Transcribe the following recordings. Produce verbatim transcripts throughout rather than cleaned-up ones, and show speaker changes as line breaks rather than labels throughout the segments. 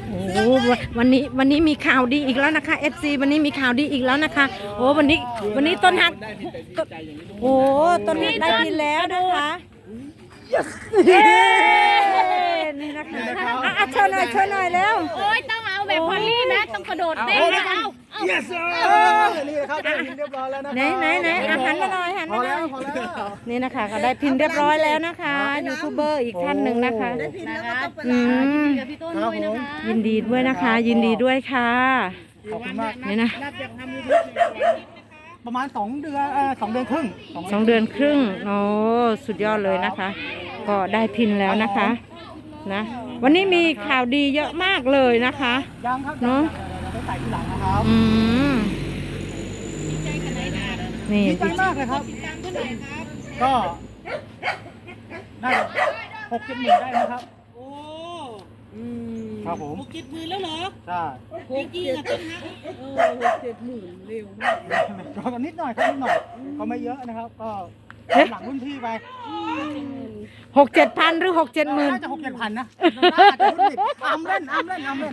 โอ้วันนี้วันนี้มีข่าวดีอีกแล้วนะคะ เอฟ ซี วันนี้มีข่าวดีอีกแล้วนะคะโอ้วันนี้วันนี้ต้นฮักโอ้ต้นฮักได้พินแล้วนะคะเย้นี่นะคะอ่ะเชิญหน่อยเชิญหน่อยแล้ว
โอ้ยต้องเอาแบบพอลลี่นะต้องกระโดดเต้นนะเอาเอา
yes นี่ครับได้พินเรียบร้อยแล้วนะ
ไหนไหนไหนอาหันมาหน่อยหัน
พอ
มาหน่
แล้
อ
วย พอแล้ว
นี่นะคะก็ได้พินเรียบร้อยแล้วนะคะยูทูบเบอร์อีกท่านหนึ่งนะคะ
นะคะ
อืม
กับพี่ต้นด้วยนะคะ
ยินดีด้วยนะคะ ยินดีด้วยค่ะ
ขอบคุณมาก
นี่นะ
ประมาณสองเดือนเอ่อสองเดือนครึ่ง
สองเดือนครึ่งโอ้สุดยอดเลยนะคะ ก็ได้พินแล้วนะคะนะวันนี้มีข่าวดีเยอะมากเลยนะคะ
ยังครับ
เนาะ
ไปใส่ทีหลังนะครับ
อืมนี่
ดีใจมากเลยครับ ก็ได้หกเจ็ดหมื่นได้นะครับ
โอ้อืม
ครับผม
หกเจ็ดหมื่นแล้วเหรอ
ใช่
จริงๆอะต้นฮักเออหกเจ็ดหมื่นเร็วมาก
ก็นิดหน่อยครับนิดหน่อยก็ไม่เยอะนะครับ ก็หลังรุ่นพี่ไป
หกเจ็ดพันหรือหกเจ็ดหมื่น
น่าจะหกเจ็ดพันนะน่าจะรุ่นพี่อ้ำเล่นอ้ำเล่นอ้ำเล่น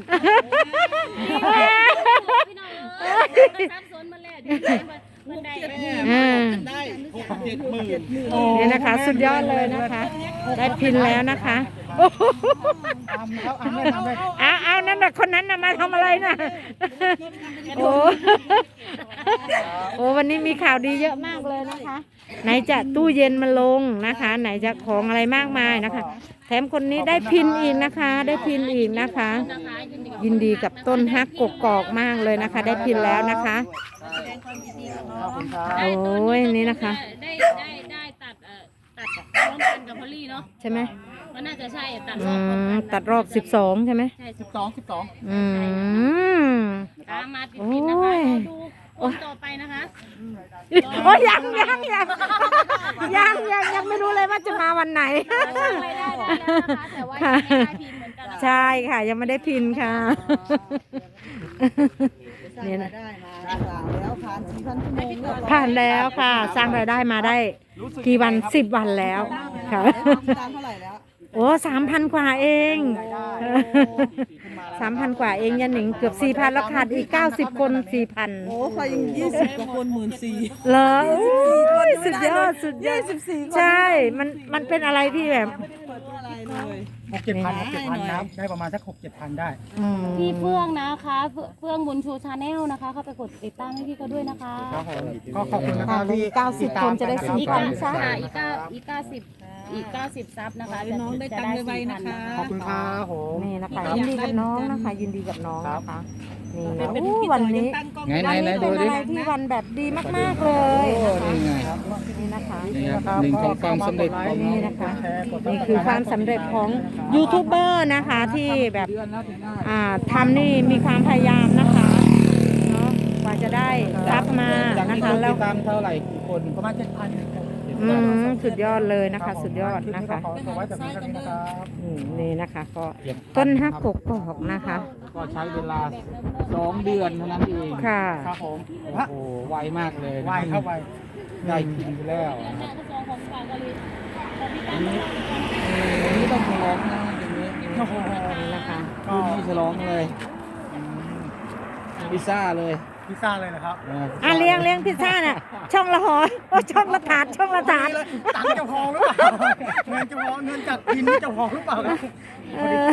พี่น้องเออซับซ้อนมาแล้วดีใจมันได้
อ่า
ได้
หกเจ็ดหมื่น
นี่นะคะ สุดยอดเลยนะคะ ได้พินแล้วนะคะ
อ้ำครับอ้ำเล่นอ้ำเล่น
เอาเอานั่นน่ะคนนั้นน่ะมาทำอะไรน่ะโอ้โอ้วันนี้มีข่าวดีเยอะมากเลยนะคะ ไหนจะตู้เย็นมาลงนะคะ ไหนจะของอะไรมากมายนะคะ แถมคนนี้ได้พินอีกนะคะ ได้พินอีกนะคะ ยินดีกับต้นฮักกกอกมากเลยนะคะ ได้พินแล้วนะคะ
ขอบคุณครับ
โอ้ยนี่นะคะ
ได้ได้ได้ตัดเอ่อตัดพร้อมกันกับพอลลี่เนาะ
ใช่ไหม
ก็น่าจะใช่ตัดร
อื
อบพร้อม
ม
กัน
ตัดรอบสิบสองใช่ไหม
ใช่
สิบสองสิบสอง
อืม
ตามมาติดๆนะคะเราดูคนต่อไปนะคะ
โอ้ยยังยังยังยังยังยังไม่รู้เลยว่าจะมาวันไหน
สร้างรายได้ได้แล้วนะคะแต่ว่ายังไม่ได้พิมพ์เหมือนกันนะคะ
ใช่ค่ะ ยังไม่ได้พินค่ะ เนี่ยนะ
ได้มาแล้วผ่านสี่พันชั่วโมงแล้ว
ผ่านแล้วค่ะ สร้างรายได้มาได้กี่วันสิบวันแล้วค่ะ
ตามเท่าไหร่แล้ว
โอ้สามพันกว่าเองสามพันกว่าเองยันหนิงเกือบสี่พันแล้วขาดอีกเก้าสิบคนสี่พัน
โอ้ใครยังยี่สิบกว่าคนหมื่นสี่
เหรออุ้ยสุดยอดสุดยอด
สิบสี่คน
ใช่ มันมันเป็นอะไรที่แบบ
อะไรเลย
หกเจ็ดพันหกเจ็ดพันนะได้ประมาณสักหกเจ็ดพันได้
อืม
พี่เฟื่องนะคะเฟื่องเฟื่องบุญชูชาแนลนะคะเข้าไปกดติดตามให้พี่เขาด้วยนะคะ
ครับผมก็ขอบคุณนะครับที่
เก้าสิบคนจะได้ซื้อ
อีก
กัน
เก้า
ซะ
ค่ะอีกเก้าอีกเก้าสิบอีกเก้าสิบซับนะคะ
น้องได้ตังค์ไวๆนะคะ
ขอบคุณครับผม
นี่นะคะยินดีกับน้องนะคะ ยินดีกับน้องนะคะนี่นะ
เป็น
อู้
พี่
วัน
ต่อยั
นี้
งตั้งกล้อง
ไง
วัน
ไหน
นี้
ไหน
เป็
ดู
น
ดิ
อะไรที่วันแบบดีมากๆเลยนะคะ
นี่ไง
นี่นะคะ
นี่ครับหนึ่งของความสำเร็จของ
นี่นะคะ นี่คือความสำเร็จของยูทูบเบอร์นะคะที่แบบอ่าทำนี่มีความพยายามนะคะเนาะกว่าจะได้รับมา
จาก
นะ
นี้
คะ
คน
แล้ว
ติดตามเท่าไหร่กี่คน
ประมาณเจ็ดพัน
อืมสุดยอดเลยนะคะ สุดยอดนะคะ
ขอไว้แต่เพียงเท่านี้นะครับ
อืมนี่นะคะก็ต้นฮักกกอกนะคะ
ก็ใช้เวลาสองเดือนเท่านั้นเอง
ค่ะ
ครับผม
โอ้โหไวมากเลย
ไหวเข้าไป
ได้กินไปแล้วนะค
แม่
รับ
ก็ซองของฝากกันเลยของพี่
อั
ตั้
น
ง
นี้อันนี้ต้องฉลองนะอย่างนี้
โอ้โห
นี่นะคะ
คืนนี้ฉลองเลยพิซซ่าเลย
พิซซ่าเลยนะครับ
อ่ะเลี้ยงเลี้ยงพิซซ่าน่ะช่องละหอโอ้ช่องละถาดช่องละถาด
ตังค์จะพอหรือเปล่าเงินจะพอเงินจากพินนี่จะพอหรือเปล่าครับ
เออ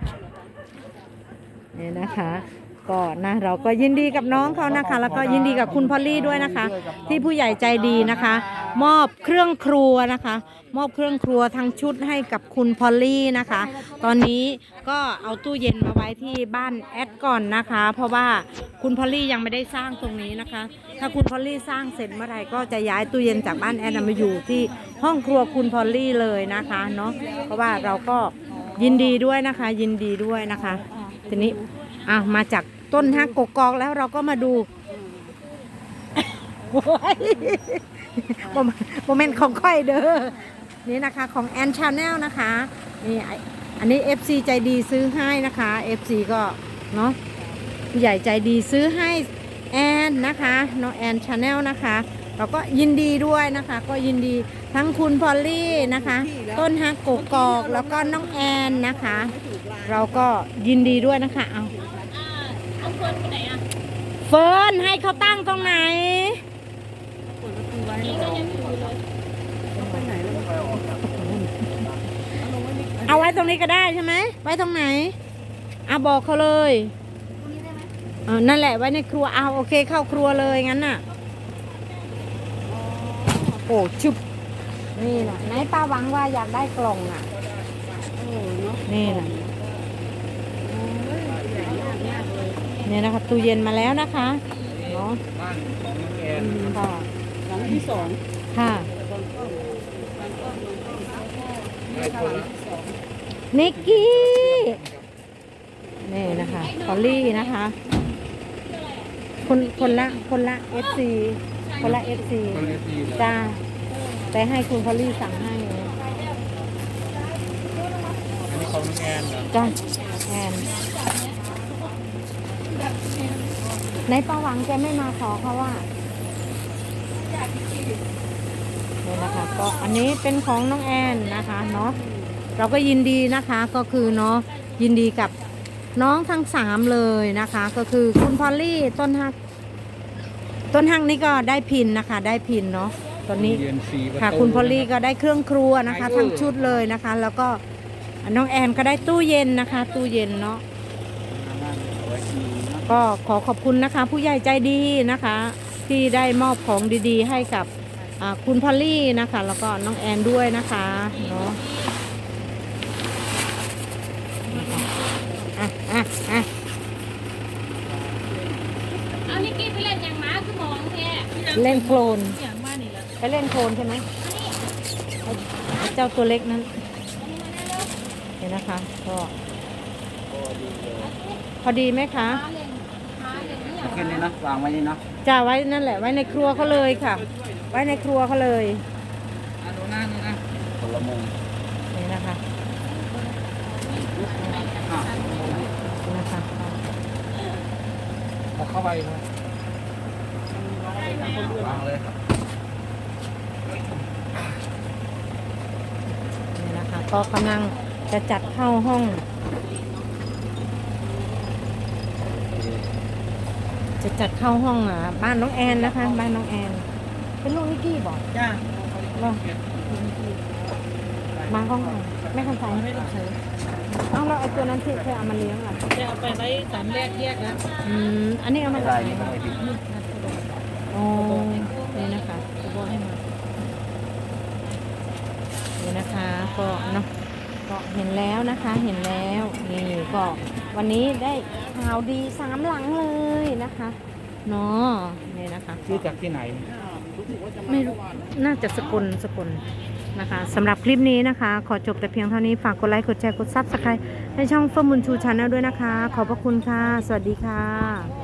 นี่นะคะ ก็นะเราก็ยินดีกับน้องเขานะคะ แล้วก็ยินดีกับคุณพอลลี่ด้วยนะคะ ที่ผู้ใหญ่ใจดีนะคะ มอบเครื่องครัวนะคะ มอบเครื่องครัวทั้งชุดให้กับคุณพอลลี่นะคะ ตอนนี้ก็เอาตู้เย็นมาไว้ที่บ้านแอดก่อนนะคะ เพราะว่าคุณพอลลี่ยังไม่ได้สร้างตรงนี้นะคะ ถ้าคุณพอลลี่สร้างเสร็จเมื่อไหร่ก็จะย้ายตู้เย็นจากบ้านแอดมาอยู่ที่ห้องครัวคุณพอลลี่เลยนะคะเนาะเพราะว่าเราก็ยินดีด้วยนะคะ ยินดีด้วยนะคะ ทีนี้อ่ะมาจากต้นฮักกกอกแล้วเราก็มาดูโอ้ยโมเมนต์ของค่อยเด้อนี่นะคะของแอนชาแนลนะคะนี่อันนี้ เอฟ ซี ใจดีซื้อให้นะคะ เอฟ ซี ก็เนาะผู้ใหญ่ใจดีซื้อให้แอนนะคะน้องแอนชาแนลนะคะเราก็ยินดีด้วยนะคะ ก็ยินดีทั้งคุณพอลลี่นะคะ ต้นฮักกกอกแล้วก็น้องแอนนะคะเราก็ยินดีด้วยนะคะเอา
เอาเฟิร์นไปไหนอ่ะ
เฟิร์นให้เขาตั้งตรงไหน
เปิดประตูไว้
นี่ก็ยังอยู่เลย
ต้องไปไหนแล้วมันเอาลงไว้นี่
เอาไว้ตรงนี้ก็ได้ใช่ไหมไว้ตรงไหนอ่ะบอกเขาเลยเออนั่นแหละไว้ในครัวเอาโอเคเข้าครัวเลยงั้นน่ะโอ้ชุบนี่นะไหนป้าหวังว่าอยากได้กล่องอ่ะ
โอ้เนาะ
นี่นะ
โอ้ยใหญ่มากมากเลย
นี่นะคะตู้เย็นมาแล้วนะคะเนาะ
บ้านของน้องแอน
ค่ะ
หลังที่สอง
ค่ะ
บนกล้องบนกล้องบนกล้องนี่ค่ะหลังที่สอง
นิกกี้นี่นะคะพอลลี่นะคะ คนคนละคนละเอฟซีคนละเอฟซี
คนละทีเลย
จ้าแต่ให้คุณพอลลี่สั่งให้
อันนี้ของน้องแอนเหรอ
จ้าแอนในประหวังแกไม่มาขอเขาว่านี่นะคะก็อันนี้เป็นของน้องแอนนะคะเนาะเราก็ยินดีนะคะก็คือเนาะยินดีกับน้องทั้งสามเลยนะคะ ก็คือคุณพอลลี่ต้นฮักต้นฮักนี่ก็ได้พินนะคะ ได้พินเนาะตอนนี้
เรียนสี่ประตู
ค่ะคุณพอลลี่
นะ
ก็ได้เครื่องครัวนะคะ ทั้งชุดเลยนะคะ แล้วก็น้องแอนก็ได้ตู้เย็นนะคะ ตู้เย็นเนาะ
เอาไว้ทีนะ
ก็ขอขอบคุณนะคะ ผู้ใหญ่ใจดีนะคะ ที่ได้มอบของดีๆ ให้กับอ่าคุณพอลลี่นะคะ แล้วก็น้องแอนด้วยนะคะเนาะอ่ะอ่ะอ่ะ
เอานิกกี้ไปเล่นอย่างม้าคือมองแท้
เล่นโคลน
อย่างบ้านนี่แหละ
ไปเล่นโคลนใช่ไหมไอ้ไอ้เจ้าตัวเล็กนั้นเห็นนะคะก็พอดีไหมคะ
ม้าเล่นม้าเล่นนี่อ
เอา
ย่าง
ขึ้นนี่นะวางไว้นี่นะ
จะไว้นั่นแหละไว้ในครัวเขาเลยค่ะ ไว้ในครัวเขาเลย
อันนู้นนะนี่นะคนละมุม
นี่นะคะ
อ่ะ
นี่นะคะ
เอาเข้าไปครับวางเลยครับ
นี่นะคะก็กำลังจะจัดเข้าห้อง จะจัดเข้าห้องอ่ะบ้านน้องแอนนะคะ บ้านน้องแอน เป็นลูกนิกกี้บอก
จ้า
เหรอมาห้องไหนแม่คำใส
ไม่ต้องใช้
เอ้าแล้วไอ้ตัวนั้นที่เคยเอามาเลี้ยงอ่ะ
จะเอาไปไว้สามแยกแยกนะ
อืมอันนี้เอามา
ไม่
จาก
ได้
ไหน
นี่ก็ไม่ผิด
อ๋อนี่นะคะ
จะบอกให้มา
นี่นะคะก็เนาะก็เห็นแล้วนะคะเห็นแล้วนี่ก็วันนี้ได้ข่าวดีสามหลังเลยนะคะเนาะนี่นะคะ
ซื้อจากที่ไหน
ไม่รู้น่าจะสกลสกลนะคะสำหรับคลิปนี้นะคะ ขอจบแต่เพียงเท่านี้ฝากกดไลค์กดแชร์กดซับสไครต์ให้ช่องเฟิร์มบุญชูชาแนลด้วยนะคะ ขอบพระคุณค่ะ สวัสดีค่ะ